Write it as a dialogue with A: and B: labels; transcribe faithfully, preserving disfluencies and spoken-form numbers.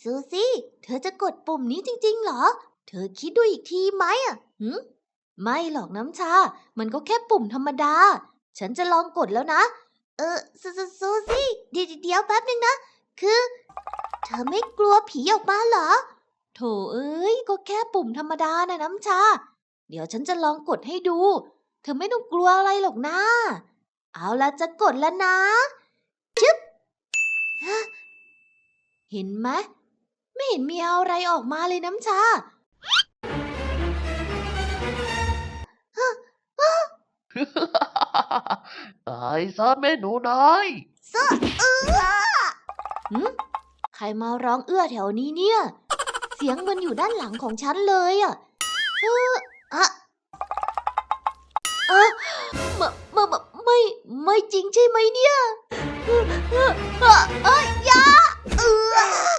A: ซูซี่เธอจะกดปุ่มนี้จริงๆเหรอเธอคิดดูอีกทีไหมอ่ะหืมไม่หรอกน้ำชามันก็แค่ปุ่มธรรมดาฉันจะลองกดแล้วนะเออซูซูซูซี่เดี๋ยวเดี๋ยวแป๊บนึงนะคือเธอไม่กลัวผีออกมาเหรอโถเอ้ยก็แค่ปุ่มธรรมดานะน้ำชาเดี๋ยวฉันจะลองกดให้ดูเธอไม่ต้องกลัวอะไรหรอกนะเอาล่ะจะกดแล้วนะชึบฮะเห็นไหมไม่เห็นมีอะไรออกมาเลยน้ำชา
B: ตายซะแม่หนูน้อย
A: ซะเอื้อหืมใครมาร้องเอื้อแถวนี้เนี่ย เสียงมันอยู่ด้านหลังของฉันเลยอ่ะเอออะอะมะมะมะไม่ ไม่จริงใช่ไหมเนี่ยเออเออเออเอยอยาเออ